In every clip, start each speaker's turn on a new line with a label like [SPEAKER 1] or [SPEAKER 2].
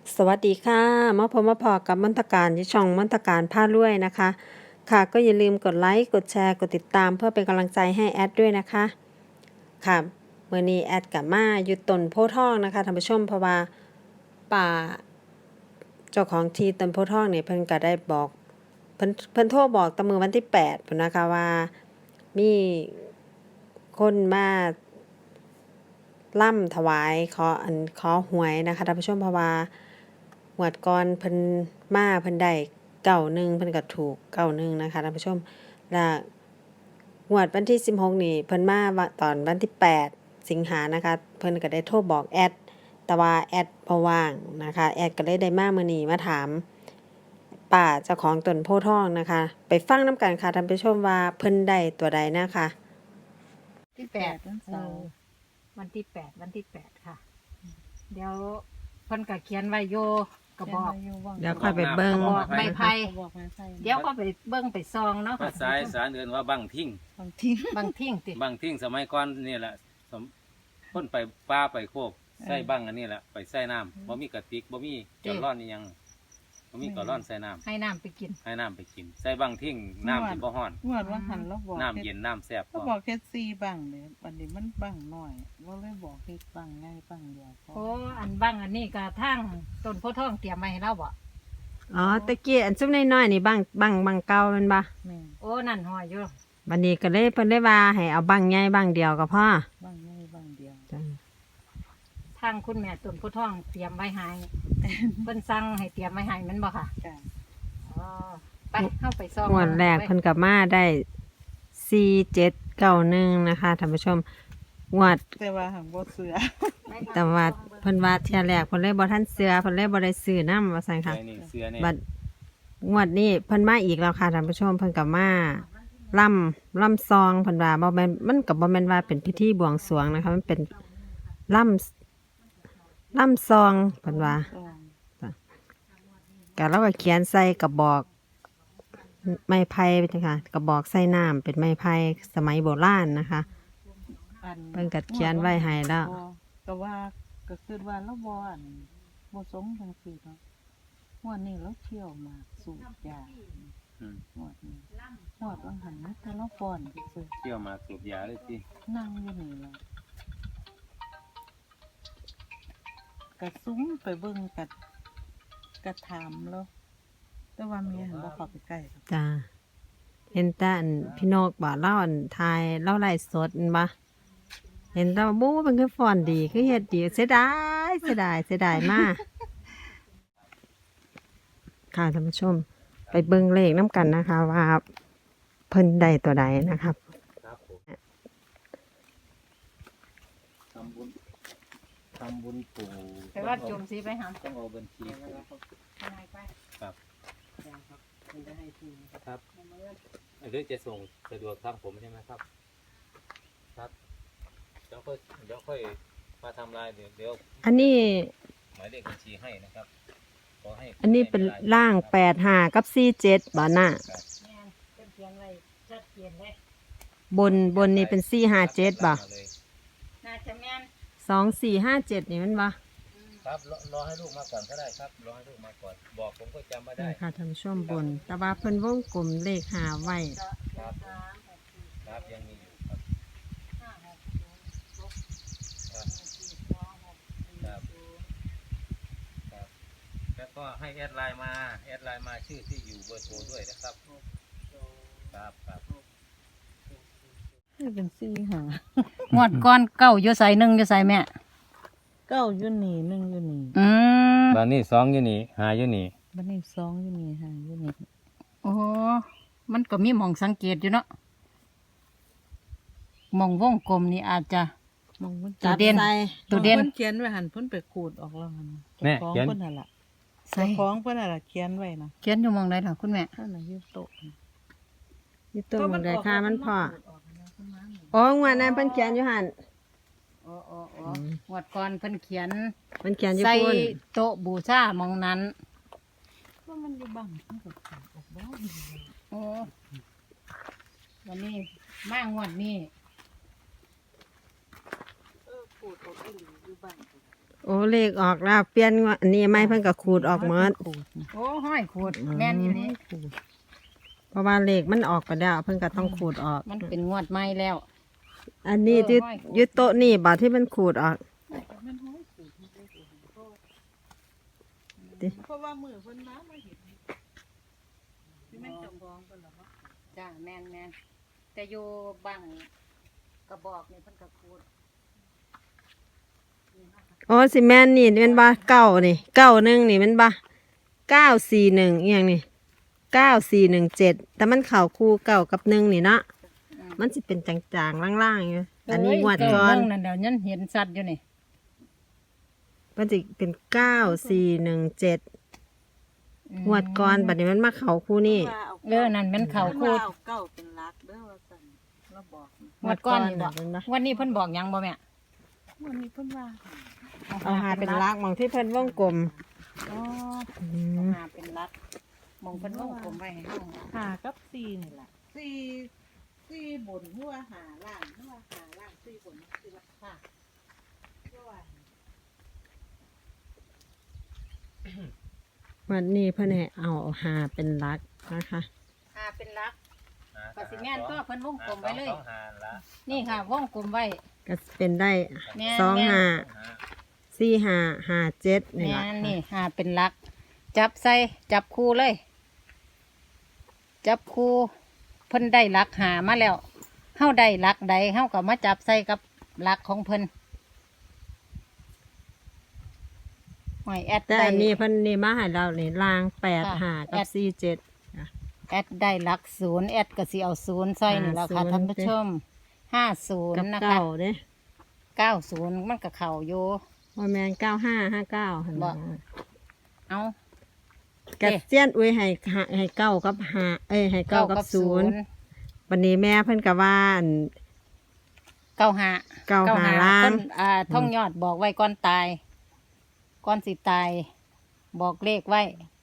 [SPEAKER 1] สวัสดีค่ะมาพบมาพอกับมนตการที่ช่องมนตการผ้ารวยนะคะค่ะก็อย่าลืมกดไลค์กดแชร์กดติดตามเพื่อเป็นกำลังใจให้แอดด้วยนะคะค่ะเมื่อนี้แอดกับมาอยู่ต้นโพธิ์ทองนะคะท่านผู้ชมเพราะว่าป่าเจ้าของที่ต้นโพธิ์ทองเนี่ยเพิ่นก็ได้บอกเพิ่นโทรบอกตะมือวันที่8พุ่นนะคะว่ามีคนมาล่ำถวายขอหวยนะคะท่านผู้ชมเพราะว่าหวดก่อนเพิ่นมาเพิ่นได้91เพิ่นก็ถูก91นะคะท่านผู้ชมและหวดวันที่16นี่เพิ่นมาตอนวันที่8สิงหานะคะเพิ่นก็ได้โทรบอกแอดแต่ว่าแอดบ่ว่างนะคะแอดก็เลยได้มามื้อนี้มาถามป้าเจ้าของต้นโพธิ์ทองนะคะไปฟังนำกันค่ะท่านผู้ชมว่าเพิ่นได้ตัวใดนะคะ
[SPEAKER 2] ที่แปด
[SPEAKER 3] วันเสาร์
[SPEAKER 2] วันที่แปดค่ะ เดี๋ยวเพิ่นก็เขียนไว้โยกระบอก
[SPEAKER 1] เดี๋ยวค่อยไปเบิ่ง
[SPEAKER 2] กระบอกไม้ไผ่
[SPEAKER 3] บอกมาใส่
[SPEAKER 2] เดี๋ยวก็ไปเบิ่งไปซองเนาะ
[SPEAKER 4] ภาษาอีสารเอื่นว่าบังทิ้ง
[SPEAKER 3] บางทิ้ง
[SPEAKER 2] บางทิ้งติ
[SPEAKER 4] บังทิ้งสมัยก่อนนี่แหละคนไปป้าไปโคกใส่บังอันนี้แหละไปใส่น้ำบ่มีกระติกบ่มีจอดร้อนนี่ยังบ่มีกระร้อนใส่น้ำ
[SPEAKER 2] ให้น้ำไปกิน
[SPEAKER 4] ให้น้ำไปกินใส่บังทิ้งน้ำสิบ่ฮ้อน
[SPEAKER 3] งวดว่าหันเราบอก
[SPEAKER 4] น้ำเย็นน้ำแซ่บพ
[SPEAKER 3] เรา
[SPEAKER 4] อ
[SPEAKER 3] บอกแค่ซีบังเลยวันนี้มันบังหน่อยเราเลยบอกแค่บังง่ายบังเดียวพอ
[SPEAKER 2] โอ้อันบ้างอันนี้ก็ทั้งต้นโพธิ์ทองเตรียมไว้ให้เราบ่
[SPEAKER 1] อ๋อตะกี้อันซุมน้อยๆนี่บังเก่าแม่นบ่
[SPEAKER 3] แม่น
[SPEAKER 2] โอ้นั่นห้อยอยู่
[SPEAKER 1] บัดนี้ก็เลยเพิ่นได้ว่าให้เอาบังใหญ่บังเดียวก็พอ
[SPEAKER 3] บังง่ายบังเดียว
[SPEAKER 2] ทางคุณแม่ต้นโพธิ์ทองเตรียมไว้ให้เพิ่นสั่งให้เตรียมไว้ให้แมันบ่ค่ะ
[SPEAKER 3] จ้ะ
[SPEAKER 2] อ๋อไปเข้าไปซอง
[SPEAKER 1] งวดแรกเพิ่นก็มาได้4791นะคะท่านผู้ชมงวด
[SPEAKER 3] แต่ว่าหังบ่เสือ
[SPEAKER 1] แต่ว่าเพิ่นว่าเที่ยแรกเพิ่นเลยบ่ทันเสือเพิ่นเลยบ่ได้ซื้อนำว่าซั่นค่ะ
[SPEAKER 4] ใส่นี่เสื้อนี่
[SPEAKER 1] บัดงวดนี้เพิ่นมาอีกแล้วค่ะท่านผู้ชมเพิ่นก็มาล่ำซองเพิ่นว่าบ่แม่นมันก็บ่แม่นว่าเป็นพิธีบวงสรวงนะคะมันเป็นล่ำซองเพิ่นว่า ก็เราก็เขียนใส่กระบอกไม้ไผ่เป็นจังค่ะกระบอกใส่น้ำเป็นไม้ไผ่สมัยโบราณนะคะ เพิ่นก็เขียนไว้ให้แล้ว
[SPEAKER 3] ก็ว่าก็คือว่าเราบ่อันบ่สมจังซี่เนาะวันนี้เราเที่ยวมาสูบยา
[SPEAKER 4] อืม
[SPEAKER 3] หมดนี้หมดวังหันนี่แต่เราฟ้อนซื่อ
[SPEAKER 4] เที่ยวมาสูบยาเลยสิ
[SPEAKER 3] นั่งอยู่นี่แหละกระซุ้มไปเบิ่งกระถามแล้วแต่ว่าเมียหันบ่เข้าไปใกล้หรอก
[SPEAKER 1] จ้าเห็นแต่อันพี่นกบ่เล่าอันทายเล่าไล่สดอันบ่เห็นแต่ว่าบู๊มันคือฟ้อนดีคือเฮ็ดดีเสียดายมากค่ะท่านผู้ชม ไปเบิ่งเลขน้ำกันนะคะ ว่าเพิ่นได้ตัวใดนะครับ
[SPEAKER 4] ครับผมทำบุญปู่
[SPEAKER 2] แต่ว่าจมสีไปหา
[SPEAKER 4] ต้องเอาบัญชีปู่
[SPEAKER 2] ยังไงไป
[SPEAKER 4] ครับหรือจะส่งสะดวกทางผมใช่ไหมครับ ครับเดี๋ยวค่อยมาทำลายเดี๋ยว
[SPEAKER 1] อันนี้
[SPEAKER 4] หมายเลขบัญชีให้นะครับขอให้
[SPEAKER 1] อันนี้เป็นล่าง85กับ47บ่น่ะ
[SPEAKER 4] ครับ
[SPEAKER 2] แม่นเพิ่นเขียนไว้ชัดเจนเลย
[SPEAKER 1] บนนี่เป็น457บ่
[SPEAKER 4] มาเลย
[SPEAKER 2] น่าจะแม่น
[SPEAKER 1] 2457นี่มันบ่
[SPEAKER 4] ครับรอให้ลูกมาก่อนก็ได้ครับรอให้ลูกมาก่อนบอกผมก็จำไม่ได้
[SPEAKER 1] นี่ค่ะท่านผู้ชมบน แต่ว่าเพิ่นวงกลมเลข5ไว้
[SPEAKER 4] ครับครับยังมีอยู่ครับครับครับครับแล้วก็ให้แอดไลน์มาชื่อที่อยู่เบอร์โทรด้วยนะครับครับครับ
[SPEAKER 3] นี่เป็นซี่หาง
[SPEAKER 2] วดก้อนเก้าอยู่ใส่หนึ่งอยู่ใส่แม่
[SPEAKER 3] เก้าอยู่นี่หนึ่งอยู่นี่
[SPEAKER 2] อืม
[SPEAKER 4] บ้านนี้สองอยู่นี่หาอยู่นี่
[SPEAKER 3] บัดนี้สองอยู่นี่ห้าอยู่นี่
[SPEAKER 2] โอ้มันก็มีหมองสังเกตอยู่เนาะหมองวงกลมนี่อาจจะ
[SPEAKER 3] มองมัน
[SPEAKER 2] ตัวเด่น
[SPEAKER 1] ใส่
[SPEAKER 2] ตัวเด่น
[SPEAKER 3] พิ่เขียนไว้หันเพิ่นไปขูดออกแล้วหัน
[SPEAKER 4] แม่
[SPEAKER 3] เจ้าของ
[SPEAKER 4] เขียน
[SPEAKER 3] เพิ่นน่ะล่ะ
[SPEAKER 2] ใส่
[SPEAKER 3] เจ้าของเพิ่นน่ะล่ะเขียนไว้นะ
[SPEAKER 2] เขียนอยู่หมองใดล่ะคุณแม่
[SPEAKER 3] นั่นน่ะอยู่โต๊ะน่ะ
[SPEAKER 1] อยู่ตัวมันได้ค่ามันพออ๋องวดนั้นเพิ่นเขียนอยู่หั่น
[SPEAKER 2] อ๋อหวดก่อนเพิ่นเขียน
[SPEAKER 1] เพิ่นเขียนอยู่
[SPEAKER 2] ใส่
[SPEAKER 1] พุ่น
[SPEAKER 2] โต๊ะบูชาหมองนั้น
[SPEAKER 3] ว่ามันอยู่บังมันก็ขูดออกบ่
[SPEAKER 2] โอ้วันนี้มางวดนี้
[SPEAKER 3] ขูดออกอีหลีอยู่บัง
[SPEAKER 1] โอ้เลขออกแล้วเปลี่ยนอันนี้ไม่เพิ่นก็ขูดออกหมด
[SPEAKER 3] ขูดนะ
[SPEAKER 2] โอ้ห้อยขูดแม่นอีหลี
[SPEAKER 3] ขูด
[SPEAKER 1] เพราะว่าเลขมันออกไปแล้วเพิ่นก็ต้องขูดออก
[SPEAKER 2] มันเป็นงวดใหม่แล้ว
[SPEAKER 1] อันนี้ที่
[SPEAKER 2] ห้อยขูด
[SPEAKER 1] ยึดโต๊ะนี่บ่ที่มันขูดออก
[SPEAKER 3] มันห้อยขูดมันได้ขูดเพราะว่ามือเพิ่นมาเห็นที่แม่นจำลองเพิ่นหรอวะ
[SPEAKER 2] จ้าแม่นแต่อยู่บังกระบอกนี่เพิ่นก็ขูด
[SPEAKER 1] โอ้สิแม่นนี่เป็นบ่เก้านี่91นี่เป็นบ่941อีหยังนี่9417แต่มันเข้าคู่เก้ากับ1นี่เนาะมันสิเป็นจางๆล่างๆอยู่อันนี้งวดก่อน
[SPEAKER 2] เบิ่งนั่นเดี๋ยวนั้นเห็นสัตว์อยู่นี่
[SPEAKER 1] มันสิเป็น9417งวดก่อนบัดนี้มันมาเข้าคู่นี่
[SPEAKER 2] นั่นมันเข่าขูด
[SPEAKER 3] เก้าเป็นรักเด้อว่าซั่นเราบอกนะ
[SPEAKER 2] งวดก้อนนี่บ่
[SPEAKER 1] เป็นบ่
[SPEAKER 2] วันนี้เพิ่นบอกหยังบ่แม่
[SPEAKER 3] วันนี้เพิ่นว่า
[SPEAKER 1] เอาหาเป็นลักมองที่เพิ่นวงกลม
[SPEAKER 2] อ๋อ
[SPEAKER 1] อื
[SPEAKER 2] เอา
[SPEAKER 1] ม
[SPEAKER 2] หาเป็นรัดมองเพิ่นวงกลมไว้ให้เฮา
[SPEAKER 3] หากับซีนี่แหละซีบนหัวหาล่างหัวหาล่างซีบนซีละค่ะเพราะว่า
[SPEAKER 1] วันนี้เพิ่นให้เอาหาเป็นลักนะคะ
[SPEAKER 2] หาเป็นรัก
[SPEAKER 4] อ่า
[SPEAKER 2] ก็สิแม่นตัวเพิ่นวงกลมไว้เลย
[SPEAKER 4] สองหาละ
[SPEAKER 2] นี่ค่ะวงกลมไว้
[SPEAKER 1] ก็เป็นได้
[SPEAKER 2] แม่น
[SPEAKER 1] 2 5
[SPEAKER 4] สองหา
[SPEAKER 1] 4 5 5 7นี่
[SPEAKER 2] แม่
[SPEAKER 1] ล่ะ
[SPEAKER 2] นนี่หาเป็นรัก จับใส่จับคู่เลย จับคู่เพิ่นได้รักหามาแล้วเฮาได้รักใดเฮาก็มาจับใส่กับรักของเพิ่นหอยแอด
[SPEAKER 1] แต่
[SPEAKER 2] ได้
[SPEAKER 1] อันนี้เพิ่นนี่มาให้เรานี่ลาง8
[SPEAKER 2] ค่ะ
[SPEAKER 1] 5กับ4 7
[SPEAKER 2] แอดได้รัก0แอดก็สิเอา0ใส่นี่แล้วค่ะ
[SPEAKER 1] 50
[SPEAKER 2] ท่านผู้ชม
[SPEAKER 1] กับ
[SPEAKER 2] 50 นะ
[SPEAKER 1] เก้า
[SPEAKER 2] คะ
[SPEAKER 1] เด้
[SPEAKER 2] 90มันก็เข้าอยู่
[SPEAKER 1] ว่าแม่น9559หั่น
[SPEAKER 2] บ่
[SPEAKER 1] น่ะ
[SPEAKER 2] เอา
[SPEAKER 1] กะเซียนอุ้ยให้เก้ากับ5ให้เก้ากับ0วันนี้แม่เพิ่นก็ว่าอัน
[SPEAKER 2] 95
[SPEAKER 1] เก้าหาล้าน
[SPEAKER 2] คนท่องยอดบอกไว้ก่อนตาย ก่อนสิตาย บอกเลขไว้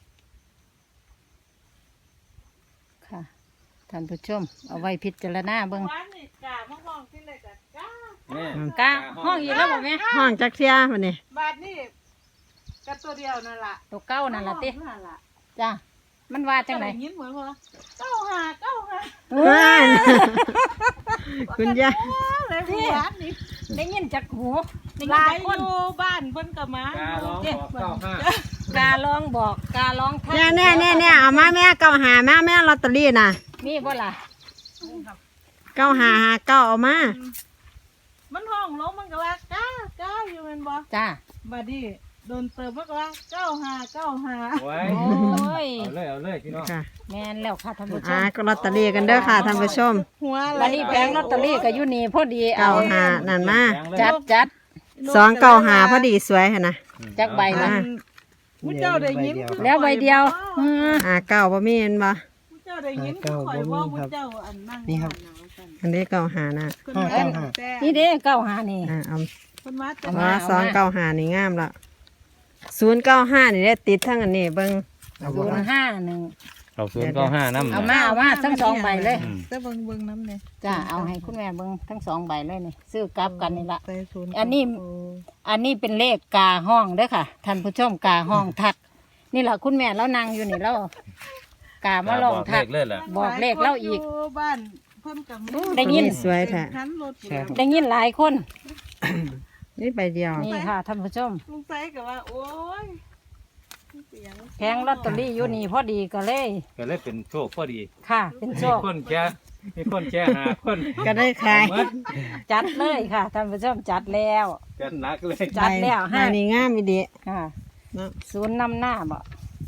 [SPEAKER 2] ค่ะ ท่านผู้ชม เอาไว้พิจารณาเบิ่ง
[SPEAKER 3] วันนี้กามะม่วงที่เลยกับกา
[SPEAKER 4] แม่
[SPEAKER 2] กาห้องอีกแล้วบอกไหม
[SPEAKER 1] ห้องจักเที่ยวันนี้
[SPEAKER 3] บาทนี่กับตัวเดียวนั่นล่ะ
[SPEAKER 2] ตัวเก้านั่นล่ะติ
[SPEAKER 3] นั่นล่ะ
[SPEAKER 2] จ้ามันว่าจังไหน
[SPEAKER 3] ด้ยินเหมือนว่าเก้าหา
[SPEAKER 1] ว้านคุณยาย
[SPEAKER 3] เลยหัวนี่
[SPEAKER 2] ได้ยินจากหูได้ยิน
[SPEAKER 3] หลา
[SPEAKER 2] จาย กคน
[SPEAKER 3] อยู่บ้านเพิ่นก็มา
[SPEAKER 4] การร้องบอก95
[SPEAKER 2] กาลองบอกกาลองทัก
[SPEAKER 1] เนี่ยเอามาแม่เก้าหามาแม่ลอตเตอรี่น่ะ
[SPEAKER 2] มีบ่ล่ะ
[SPEAKER 1] เก้าหาเก้าเอามา
[SPEAKER 3] มันห้องลงมันก็ว่ากาอยู่แม่นบ่
[SPEAKER 2] จ้า
[SPEAKER 3] บัดนี้โดนเติมมันก็ว่าเก้าหา
[SPEAKER 4] ไว้
[SPEAKER 2] โอ้ย
[SPEAKER 4] เอาเลยพี่น้อง
[SPEAKER 1] ค่ะ
[SPEAKER 2] แม่นแล้วค่ะท่านผู้ชม
[SPEAKER 1] ก็ลอตเตอรี่กันเด้อค่ะท่านผู้ชม
[SPEAKER 3] หัวอะไร
[SPEAKER 2] วันนี้แผงลอตเตอรี่ก็อยู่นี่พอดี
[SPEAKER 1] เก้า
[SPEAKER 2] เอา
[SPEAKER 1] หานั่นมา
[SPEAKER 2] จัด
[SPEAKER 1] 2 9 5พอดีสวยหั่นนะ
[SPEAKER 2] จักใบละ
[SPEAKER 3] มุเจ้าได้ยิน
[SPEAKER 2] แล้วใบเดียว
[SPEAKER 1] เก้าบ่มีเห็นบ่
[SPEAKER 3] มุเจ้าได้ยินคือข่อยว่ามุเจ้าอันนั่งนี่ครับ
[SPEAKER 1] อันนี้เก้าหานะ
[SPEAKER 2] นี่เด้เก้าหานี่
[SPEAKER 1] เอา
[SPEAKER 3] คนมา
[SPEAKER 2] เอา
[SPEAKER 1] ว่า
[SPEAKER 2] มา
[SPEAKER 1] 2 9 5นี่งามละ095นี่ได้ติดทั้งอันนี้เบิ่ง
[SPEAKER 2] 051
[SPEAKER 4] เอา095น้ำ
[SPEAKER 2] เอามาทั้งสองใบเลย
[SPEAKER 3] แต่เบิ่งน้ำเนี่ย
[SPEAKER 2] จ้าเอาให้คุณแม่เบิ่งทั้งสองใบเลยนี่ซื้อกลับกันนี่ละ
[SPEAKER 3] ใส่ศูนย์
[SPEAKER 2] อันนี้เป็นเลขกาห้องเด้อค่ะท่านผู้ชมกาห้องทัก นี่แหละคุณแม่แล้วนางอยู่นี่แล้วกามาลองทัก
[SPEAKER 4] เลยล่ะ
[SPEAKER 2] บอกเลขเล่าอีก
[SPEAKER 3] บ้านเพิ่นกับ
[SPEAKER 2] ได้ยิน
[SPEAKER 1] สวยแท้
[SPEAKER 3] คันรถ
[SPEAKER 2] ได้ยินหลายคน
[SPEAKER 1] นี่ใบเดียว
[SPEAKER 2] นี่ค่ะท่านผู้ชม
[SPEAKER 3] ลุงไซก็ว่าโอ้ย
[SPEAKER 2] แพงลอตเตอรี่อยู่นี่พอดีก็เลย
[SPEAKER 4] ก็เลยเป็นโชคพอดี
[SPEAKER 2] ค่ะ เป็นโช
[SPEAKER 4] มี
[SPEAKER 2] ค
[SPEAKER 4] คนแช่หาคน
[SPEAKER 1] ก็ได้ขาย
[SPEAKER 4] หมด
[SPEAKER 2] จัดเลยค่ะท่านผู้ชมจัดแล้ว
[SPEAKER 4] กันหนักเลย
[SPEAKER 2] จัดแล้ว
[SPEAKER 1] ใบนี้งามอีดี
[SPEAKER 2] ค่ะ
[SPEAKER 1] เนาะ
[SPEAKER 2] ศูนย์นำหน้าบ่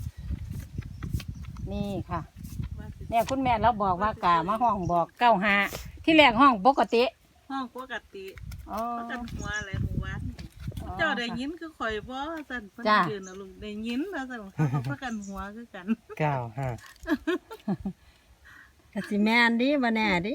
[SPEAKER 2] นี่ค่ะ เนี่ยคุณแม่เราบอกว่ากามาห้องบอก95ที่แรกห้องปกติ
[SPEAKER 3] ห้องปกติ
[SPEAKER 2] อ๋อ
[SPEAKER 3] ประกันหัวอะไรหมู่บ้านเจ้าได้ยินคือข่อยบ่สั่นเพิ่น
[SPEAKER 2] จ้ะ
[SPEAKER 3] ยืนนะลุงได้ยินแล้วสั่นเขาประกันหัวคือกัน
[SPEAKER 1] ก็สิแม่นดิบ่แน่ดิ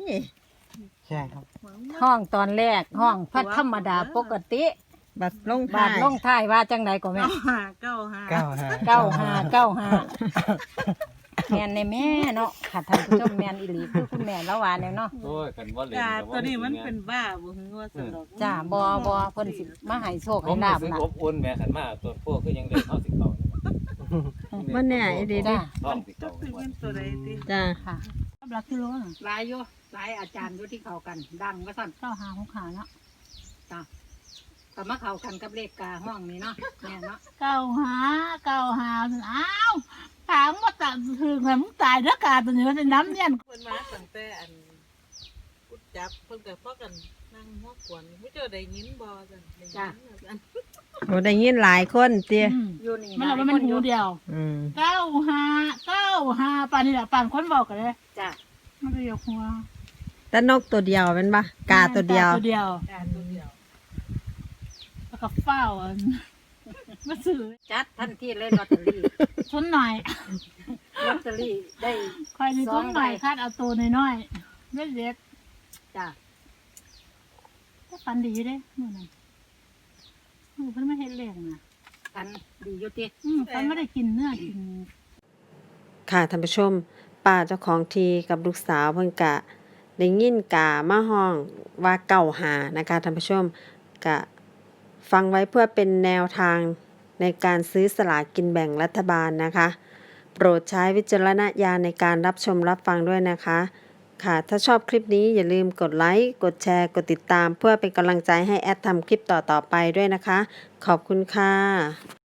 [SPEAKER 2] ห้องตอนแรกห้องพัดธรรมดาปกติ
[SPEAKER 1] บัดลง
[SPEAKER 2] บา
[SPEAKER 1] ท้า
[SPEAKER 2] ท
[SPEAKER 1] ย
[SPEAKER 2] ลงท้ายว่าจังไดก็แม่
[SPEAKER 3] เก้าหา
[SPEAKER 2] 95 แม่นในแม่เนาะค่ะท่านผู้ชมแม่นอีหลีคือคุณแม่ละว่าแนวเนาะ
[SPEAKER 4] โอ้ยกันว่าเล่น
[SPEAKER 3] กา
[SPEAKER 4] กับ
[SPEAKER 3] ตัวนี้มัน
[SPEAKER 4] จริงๆ
[SPEAKER 3] เป็นบ้าบ่ฮึงว่าสนอก
[SPEAKER 2] จ้าบ่เพิ่นสิมาให้โชค
[SPEAKER 4] ผ
[SPEAKER 2] ให้
[SPEAKER 4] ม
[SPEAKER 2] ลา
[SPEAKER 4] รู้
[SPEAKER 2] บ
[SPEAKER 4] สึก
[SPEAKER 2] ล่ะ
[SPEAKER 4] อบอุ่นแม่ขันมาตัวพวกคือยังได้เข้าสิเขาเนี่ย
[SPEAKER 1] มันแน่อีดีดิ
[SPEAKER 2] จ้า
[SPEAKER 4] ท้องสิ
[SPEAKER 3] จั
[SPEAKER 4] เขา
[SPEAKER 3] กสิเป็นตัวใดติ
[SPEAKER 1] จ้า
[SPEAKER 2] ค่ะ
[SPEAKER 3] หลักกิโลน่ะ
[SPEAKER 2] หลายอยู่หลายอาจารย์อยู่ที่เข้ากัน ดังว่าซั่น
[SPEAKER 3] เก้าหาของขาเนาะ
[SPEAKER 2] จ้าก็มาเข้ากันกับเลขกาห้องนี้เนาะแม่เนาะ
[SPEAKER 5] เก้าหาอ้าวถามว่าตายถึงแล้วมึงตายเด้อกาตัวนี้มันเป็นน้ำเนี่ย
[SPEAKER 3] เพิ่นมาตั้งแต่อันพุดจับเพิ่นก็พากันนั่งหัวขวนผู้เจ้าได้ยินบ่ซั่นได้ยินว่าซั่น
[SPEAKER 1] โอ้ได้ยินหลายคนเตี้ย
[SPEAKER 2] อยู่นี่
[SPEAKER 5] มันเราว่ามันหูเดียว
[SPEAKER 1] อืม
[SPEAKER 5] เก้าหาป่านนี่แหละป่านคนบอกกันเลย
[SPEAKER 2] จ้า
[SPEAKER 5] มันก็ยกหัว
[SPEAKER 1] แต่นกตัวเดียวเป็นปะกาตัวเดียว
[SPEAKER 5] ตัวเดียว
[SPEAKER 3] การตัวเดียว
[SPEAKER 5] แล้วก็เฝ้าอันมาซื้อ
[SPEAKER 2] จัดทันทีเลยลอตเตอรี่
[SPEAKER 5] ชนหน่อย
[SPEAKER 2] ลอตเตอรี่ได้
[SPEAKER 5] คอยในชนหน่อย
[SPEAKER 2] 2 ใบ
[SPEAKER 5] คาดเอาตัวน้อยๆเล็ก
[SPEAKER 2] จ้า
[SPEAKER 5] ๆก็ฟันดีอยู่เด้มื่อนั้นเพิ่นไม่เห็นเลี้ยงนะ
[SPEAKER 2] อันดีอยู่ติ
[SPEAKER 5] ฟันไม่ได้กินเนื้อกิน
[SPEAKER 1] ค่ะท่านผู้ชมป้าเจ้าของทีกับลูกสาวเพิ่นกะได้ยินกามาห้องว่าเก่าหานะคะท่านผู้ชมกะฟังไว้เพื่อเป็นแนวทางในการซื้อสลากกินแบ่งรัฐบาลนะคะ โปรดใช้วิจารณญาณในการรับชมรับฟังด้วยนะคะ ค่ะถ้าชอบคลิปนี้อย่าลืมกดไลค์กดแชร์กดติดตาม เพื่อเป็นกำลังใจให้แอดทำคลิปต่อๆไปด้วยนะคะ ขอบคุณค่ะ